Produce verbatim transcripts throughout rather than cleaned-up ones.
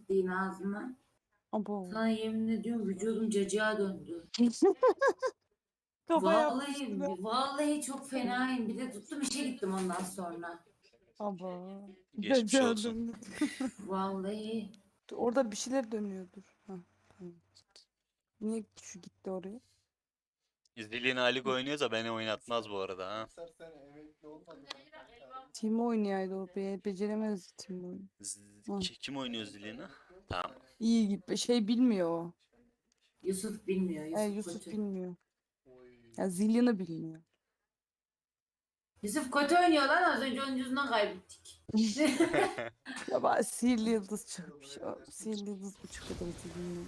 ettiğin ağzına. Abo. Sana yemin ediyorum vücudum cacığa döndü. Kafa Vallahi, yapmıştı be. vallahi çok fenayım. Bir de tuttum işe gittim ondan sonra. Abo. Geçmiş Cacığa olsun. döndü. Vallahi. Orada bir şeyler dönüyordur. Ha, tamam. Niye şu gitti oraya? İzliliğin Alik oynuyorsa beni oynatmaz bu arada ha. Timo oynayaydı o. Be beceremez Timo oyunu. Z- Hı. ki- Kim oynuyor İzliliğini? Tamam. İyi gibi şey bilmiyor o. Yusuf bilmiyor. E, Yusuf, Yusuf kötü. bilmiyor. Ya Zillion'ı bilmiyor. Yusuf kötü oynuyor lan. Az önce onun yüzünden kaybettik. Ya bak sihirli yıldız çıkmış. O sihirli yıldız buçuk kadar bilmiyor.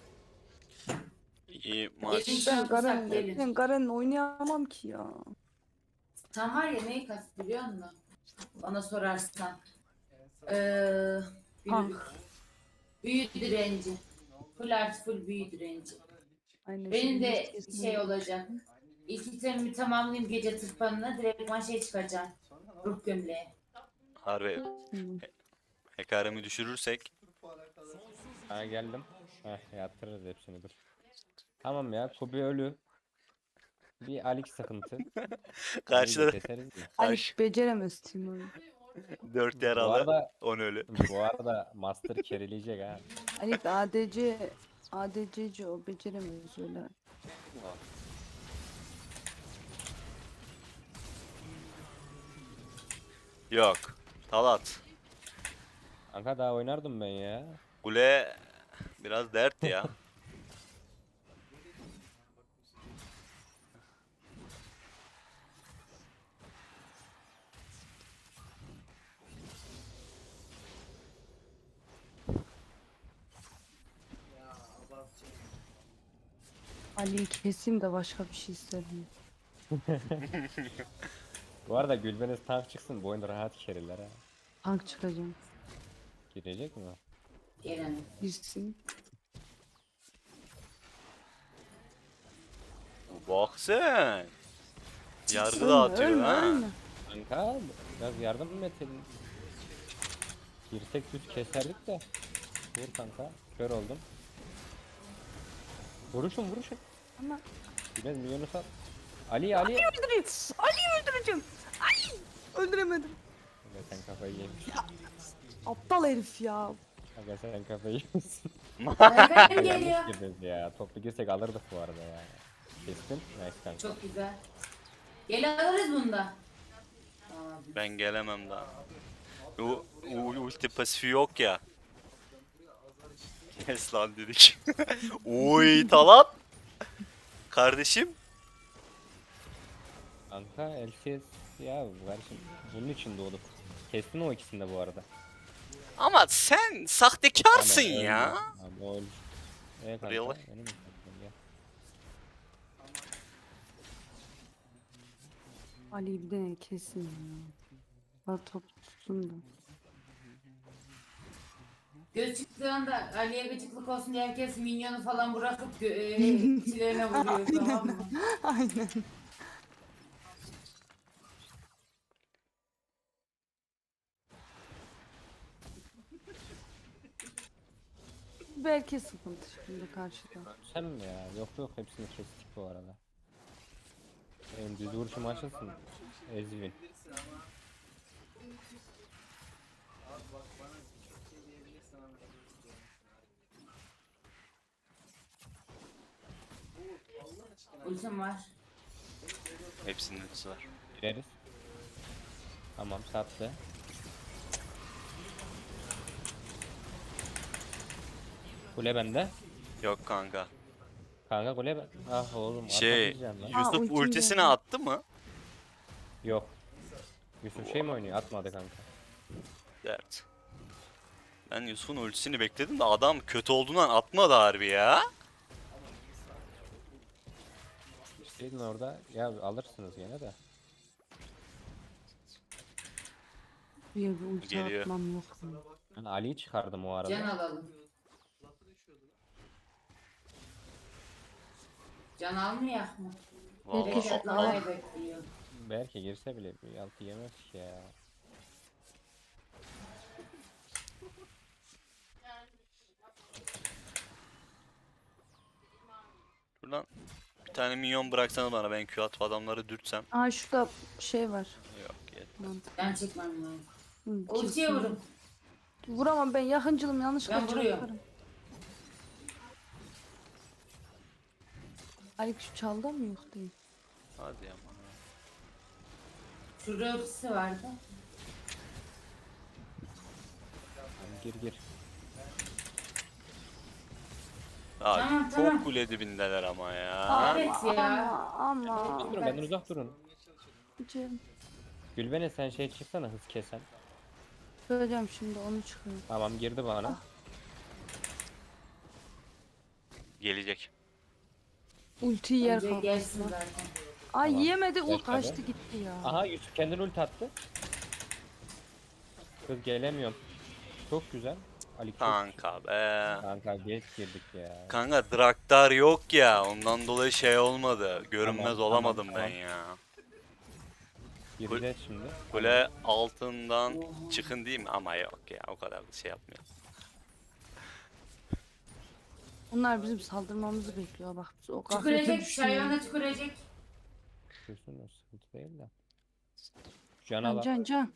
İyi Gelin maç. şu Ben an Garen, kısak gelin. ben Garen'le oynayamam ki ya. Sen var ya neyi kast biliyor musun? Bana sorarsan. Ee, büyü, Ah. büyü direnci. Full artı full büyü direnci. Aynen. Benim şimdi de yüz kesin şey oldu. olacak. İlk itemimi tamamlayayım gece tırpanına. Direktman şey çıkacağım. Ruh gömleği. Harbi Hı. hekaremi düşürürsek Ha geldim. Heh yatırırız hepsini dur. Tamam ya Kobe ölü. Bir Alik sıkıntı. Ali'yi de karşıda keseriz de. Ali karşı beceremez Timo'yu. dört Bu yaralı arada on ölü. bu arada Master carryleyecek ha. Ali A D C A D C'ci o beceremez öyle. Yok. Talat. Kanka daha oynardım ben ya. Kule biraz dert ya. Ali'yi keseyim de başka bir şey istedim. Bu arada Gülbeniz tank çıksın bu oyunda rahat carryler ha. Tank çıkacağım. Girecek mi? Gelelim. Girsin. Bak sen. Yargı Ölme, dağıtıyor ölme, ha. ölme. Kanka biraz yardım mı edelim? Girsek düz keserdik de. Vur kanka. Kör oldum. Vuruşun vuruşun. Ama Biraz milyonu sat. Ali Ali. öldüreyim. Ali'yi öldüreceğim. Ali. Öldüremedim. Kanka sen kafayı yemiş. Aptal herif ya. Kanka sen kafayı yemişsin. Efendim Yanlış geliyor. girdiniz ya. Toplu girsek alırdık bu arada ya. Kestin. Nice kanka. Çok güzel. Gel alırız bunda. Tamam. Ben gelemem daha. U, u, ulti pasifi yok ya. Kes lan dedik. Uy Talat. Kardeşim. Kanka L C S ya kardeşim bunun için doğduk. Kestin o ikisini de bu arada. Ama sen sahtekarsın Ama öldü. ya. Ama öldü. E kanka Really? benim mi sattın ya? Ali'yi bir de kesin ya. Bak top tutsun da. Göz çıktığı anda Ali'ye gıcıklık olsun diye herkes minyonu falan bırakıp gö- e, çilerine vuruyor tamam mı? Aynen. Belki sıkıntı şimdi karşıda. Sen mi ya? Yok yok hepsini kestik bu arada. Benim düz vuruşum açılsın. Ezvin. Ultim var. Hepsinin ultisi var. Gireriz. Tamam sattı. Kule bende. Yok kanka. Kanka kule ben. Ah oğlum Şey atamayacağım lan. Aa, Yusuf ultim ultisini geldi. attı mı? Yok. Yusuf şey mi oynuyor? Atmadı kanka. Dert. Ben Yusuf'un ultisini bekledim de adam kötü olduğundan atmadı harbi ya. Şeydin orada. Ya alırsınız gene de. Bir bir ulti Geliyor. atmam yok mu? Ben Ali'yi çıkardım o arada. Can alalım. Can almayak mı? Vallahi Herkes- Rekat al- almayı bekliyor. Belki girse bile bir altı yemez ki ya. Şuradan bir tane minyon bıraksana bana, ben Q atıp adamları dürtsem. Aa şurada şey var. Yok yet. Mantık. Ben çekmem lazım. Hı, Ultiye kesin. vurun. Vuramam ben, yakıncılım, yanlışlıkla Ben vuruyorum. çarparım. Alik şu çalda mı yok değil? Hadi ama. Şurada ultisi vardı. Tamam, gir gir. Aa, Tamam, çok tamam. kule dibindeler ama ya. Ama Evet ya. ama ama. Durun benden uzak durun. Cem, Gülbene sen şey çıksana, hız kesen. söyleyeceğim şimdi, onu çıkıyor. Tamam, girdi bana. Gelecek. Ultiyi yer Önce kalktı. gelsin zaten. Ay Tamam. yiyemedi, ult Başladı. kaçtı gitti ya. Aha, Yusuf kendini ulti attı. Kız gelemiyorum. Çok güzel. Ali çok Kanka be. Kanka geç girdik ya. Kanka Draktar yok ya, ondan dolayı şey olmadı. Görünmez Tamam, olamadım tamam, ben tamam. ya. Gireceğiz şimdi. Kule altından çıkın değil mi? Ama yok ya, o kadar da şey yapmıyor. Onlar bizim saldırmamızı bekliyor bak. Biz o gaflete Tükürecek. düşmeyelim. Şayvana tükürecek. Düşürsün, o sıkıntı değil de. Cana Can bak. can can.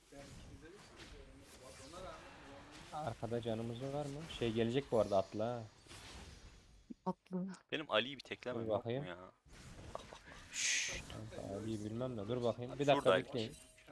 Arkada canımız var mı? Şey gelecek bu arada, atla. ha. Atlı. Benim Ali'yi bir teklemem Dur yok mu bakayım. ya? Şşş. Kanka Ali'yi bilmem de, dur bakayım. Bir dakika Şuradaymış. bekleyin.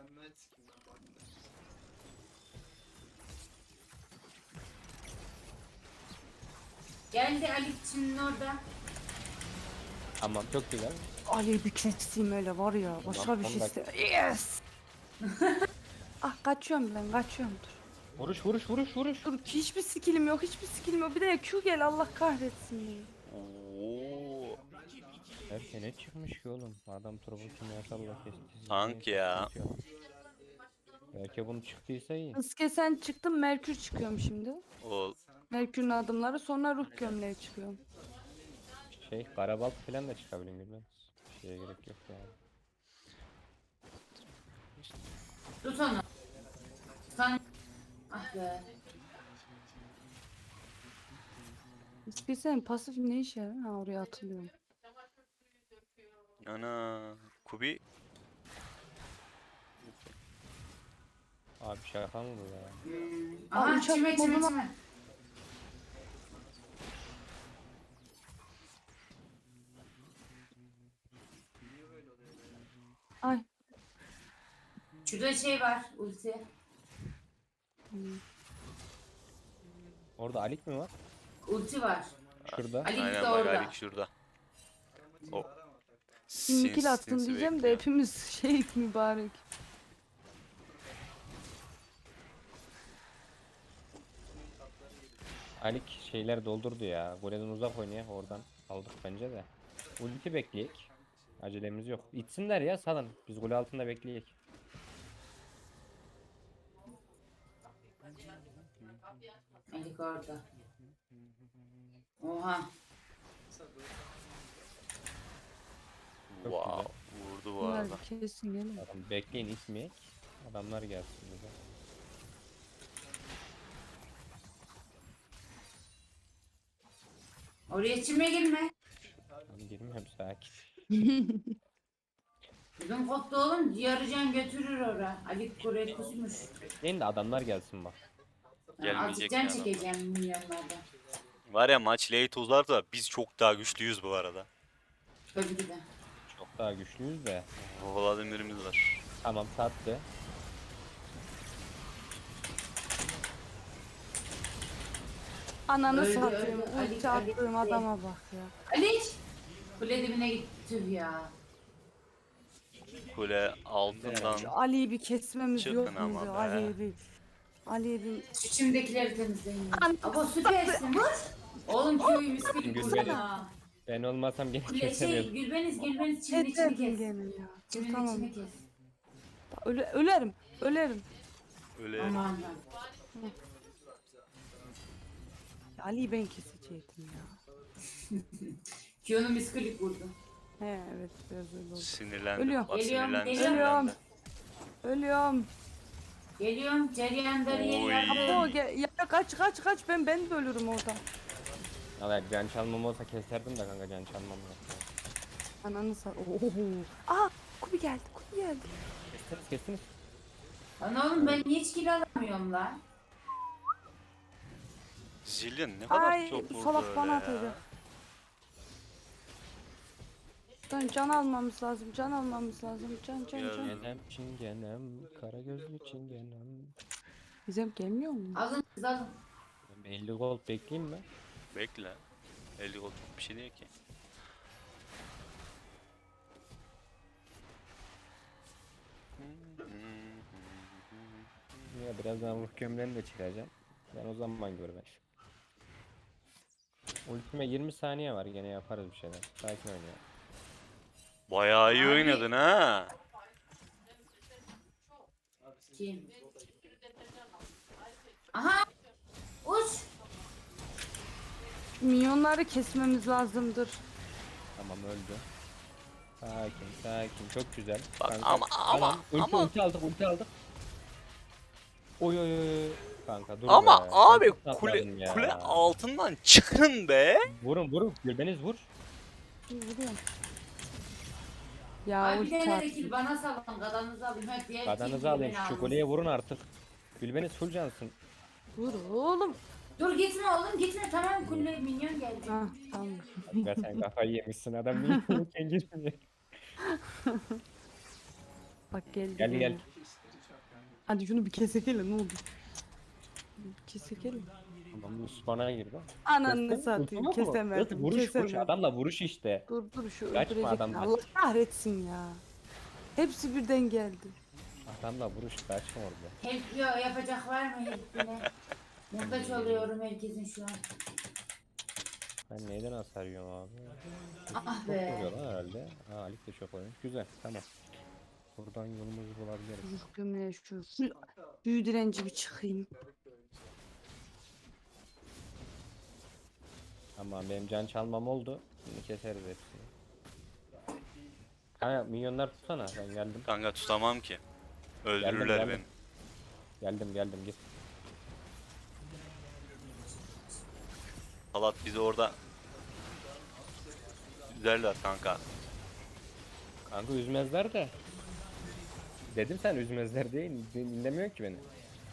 Geldi Ali şimdi orada. Tamam, çok güzel. Ali bir keseyim öyle var ya. Başka Tamam, bir on şey dakika. iste. Yes. Ah kaçıyorum ben, kaçıyorum dur. Vuruş vuruş vuruş vuruş. Dur hiçbir skillim yok, hiçbir skillim yok. Bir de Q gel, Allah kahretsin beni. Oo. Her şey ne çıkmış ki oğlum? Adam turbo kimyasalla kesti. Tank ya. Belki bunu çıktıysa iyi. Hız kesen çıktım, Merkür çıkıyorum şimdi. O Merkür'ün adımları, sonra ruh gömleği çıkıyorum. Şey, karabalt falan da çıkabilir bilmem. Şeye gerek yok yani. Tut onu. Sen... Ah be. Hız kesen pasif ne işe yarar? Ha oraya atılıyorum. ana Kubi Abi şaka mı bu ya? Hmm. Aa, Aha uçak çime çime moduna- çime. Ay. Şurada şey var ulti. Hmm. Orada Alik mi var? Ulti var. Şurada. Ali aynen de bak, orada. Ali şurada. O. Şimdi kill attın sinsi diyeceğim de bekliyor. hepimiz şey mübarek. Alik şeyler doldurdu ya. Golden uzak oynuyor, oradan aldık bence de. Ulti bekleyek. Acelemiz yok. İtsinler ya, salın. Biz gol altında bekleyek. Ali orada. Oha. Wow, vurdu bu Bunlar arada. kesin gelin. Adam bekleyin, itmeyek. Adamlar gelsin bize. Oraya çime girme. Tamam, girmiyorum, sakin. Bizim koptu oğlum. Yarıcan götürür ora. Ali Kore kusmuş. Bekleyin de adamlar gelsin bak. Ben Gelmeyecek azıcık can yani. çekeceğim milyonlardan. Var ya, maç late uzar da biz çok daha güçlüyüz bu arada. Tabii ki de. Çok daha güçlüyüz de. Vladimir'imiz var. Tamam, sattı. Ananı Öldü, satayım. öldü. Ali- Ulti Ali- attığım adama bak ya. Ali! Kule dibine gitti tüh ya. Kule altından. Şu Ali'yi bir kesmemiz Çıkın yok ama muydu? be. Ali'yi bir... Ali'yi bir... Şu çimdekileri temizleyin. An- Ama süpersin vur. Oğlum köyü miskili Gülbeni. kursana. Ben olmasam gene Kule şey kesemiyordum. Gülbeniz Gülbeniz çimin içini Etmedim kes. gene ya. Dur Çimin tamam. içini kes. Öle, ölerim. Ölerim. Öyle. Aman lan. Ali'yi ben kesecektim ya. Kiyonu miskili vurdu. He evet, biraz öyle oldu. Sinirlendim. Ölüyor. Bak Geliyorum, sinirlendi. geliyorum. sinirlendi. Ölüyorum. Geliyorum. Ceryan darıya Oy. yardım. Apo gel. Ya kaç kaç kaç, ben ben de ölürüm orada. Evet, can çalmam olsa keserdim de kanka, can çalmam yok. Ananı sar. Oho. Aa, Kubi geldi. Kubi geldi. Kestiniz kestiniz. Lan oğlum ben niye hiç kill alamıyorum lan? Zillion ne kadar Ay, çok bu vurdu salak öyle bana ya. atacak. Can, can almamız lazım. Can almamız lazım. Can can Ya, can. Çingenem çingenem, kara gözlü çingenem. Bizim gelmiyor mu? Alın siz alın. Ben elli gold bekleyeyim mi? Bekle. elli gol çok bir şey değil ki. Ya birazdan ruh gömleğini de çıkaracağım. Ben o zaman gör ben. Ultime yirmi saniye var, gene yaparız bir şeyler. Sakin ol ya. Bayağı iyi Abi. oynadın ha. Kim? Aha! Uç! Minyonları kesmemiz lazımdır. Tamam, öldü. Sakin sakin, çok güzel. Bak Kanka, ama- ama- tamam. Ulti, ama- ulti aldık, ulti aldık. Oy oy oy. Kanka dur Ama be. abi Çok tatladım kule ya. kule altından çıkın be. Vurun vurun, Gülbeniz vur. Vuruyorum. Ya Abi bir ulti tane de attı. kill bana salın. Gadanızı alayım. Hadi diğer Kadanızı kill alayım, beni şu alın. kuleye vurun artık. Gülbeniz full cansın. Vur oğlum. Dur gitme oğlum gitme. Tamam kulle minyon geldi. Ha tamam. Ve sen kafayı yemişsin, adam minyonken girmiyor. Bak geldi. Gel, gel. gene. Hadi şunu bir kesekelim ne oldu? Bir kesekelim. Tamam, spana girdi. Ananı Kestin, satayım ulti yok mu? kesemedim. Kız, Vuruş vuruş, kesemedim. adamla vuruş işte. Dur dur şu Kaçma öldürecek. adamdan. Allah kahretsin ya. Hepsi birden geldi. Adamla vuruş, kaçma orada. Help yo, yapacak var mı helpine? Muhtaç oluyorum herkesin şu an. Ben neyden hasar yiyorum abi? Ah Çok be. vuruyor lan herhalde. Ha, Alik de çok oynuyor. Güzel, tamam. Buradan yolumuzu bulabiliriz. Ruh gömleğe şu full büyü direnci bir çıkayım. Tamam, benim can çalmam oldu. Şimdi keseriz hepsini. Kanka minyonlar tutsana, ben geldim. Kanka tutamam ki. Öldürürler geldim. beni. Geldim geldim git. Salat bizi orada üzerler kanka. Kanka üzmezler de. Dedim sen üzmezler diye, din- dinlemiyor ki beni.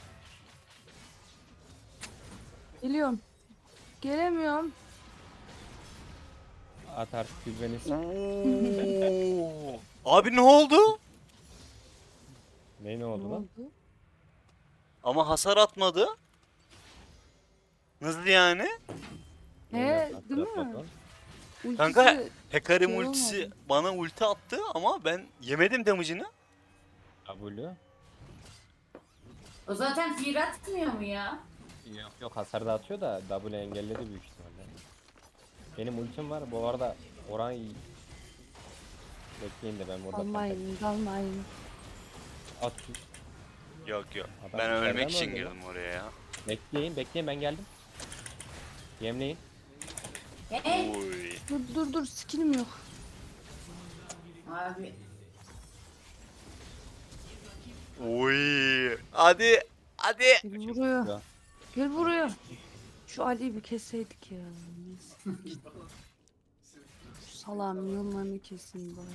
Geliyorum. Gelemiyorum. At artık Gülbeniz. Abi ne oldu? Ne ne Ne oldu lan? oldu? Ama hasar atmadı. Nasıl yani? He, Nasıl değil mi? atlatmadı lan? Ultisi Kanka, Hekarim şey ultisi olmadı. bana ulti attı ama ben yemedim damage'ını. W. O zaten fear atmıyor mu ya? Yok yok, hasar da atıyor da W engelledi büyük ihtimalle. Benim ultim var bu arada, oran iyi. Bekleyin de ben burada Dalmayın, dalmayın. at. Yok yok. Adam Ben ölmek içeriden için öldü girdim oraya ya. Bekleyin bekleyin, ben geldim. Yemleyin. He? Uy. Dur dur dur skillim yok. Abi. Uy. Hadi. Hadi. Gel buraya. Ya. Gel buraya. Şu Ali'yi bir kesseydik ya. Neyse. Şu salağın yollarını kesin bari.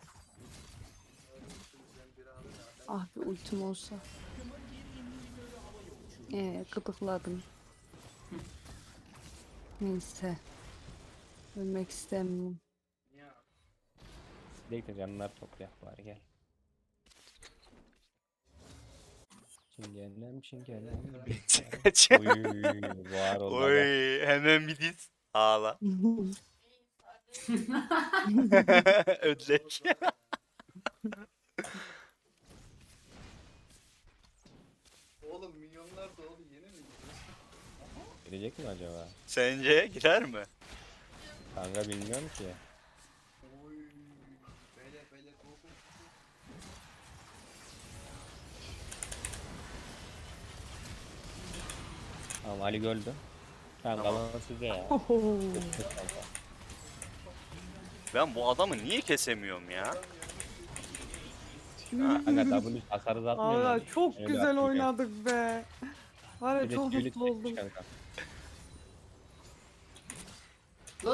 Ah bir ultim olsa. Ee, gıdıkladım. Neyse. Ölmek istemiyorum. Bekle, canlar toplayak bari, gel. Çingenem çingenem. Uy, var oldu. Oy. Hemen bir diz. Ağla. Ödlek. Oğlum milyonlar doğdu yeni mi gidiyorsun? Gelecek mi acaba? Sence girer mi? Kanka bilmiyorum ki. Oy. Böyle böyle go go. Tamam, Ali öldü. Tamam, Tamam. kalan size ya. Oho. Ben bu adamı niye kesemiyorum ya? Kanka W hasarı atmıyor Valla mu? çok Öyle güzel atıyor. oynadık be. Var ya Bir de çok tüylü mutlu çekmiş oldum. kanka.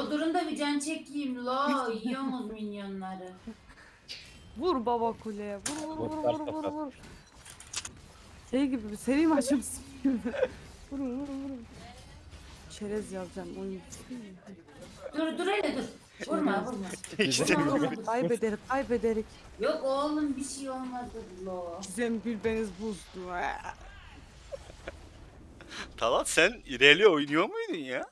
Doldurun da bir can çekeyim lo. Yiyorsunuz minyonları. Vur baba kuleye. Vur vur vur Botlar vur vur tokat. vur. Şey gibi bir seri maçımız gibi. Vur vur vur. Çerez yazacağım oyun. Dur dur hele dur. Vurma vurma. İşte Vurma, vurma. Kaybederik kaybederik. Yok oğlum bir şey olmadı lo. Gizem Gülbeniz buzdu. Talat sen İrelia oynuyor muydun ya?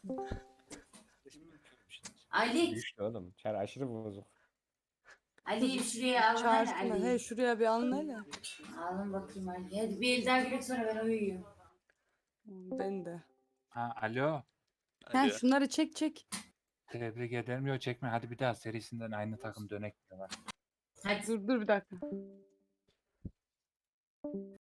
Ali, Güçlü oğlum. Çar aşırı bozuk. Ali şuraya alın hadi Çağırsana. Ali. He şuraya bir alın hele. Alın bakayım Ali. Hadi bir el daha girek sonra ben uyuyayım. Ben de. Ha, alo. He Hadi. şunları çek çek. Tebrik ederim. Yok çekme. Hadi bir daha serisinden aynı takım dönek diyorlar. Hadi. Dur dur bir dakika.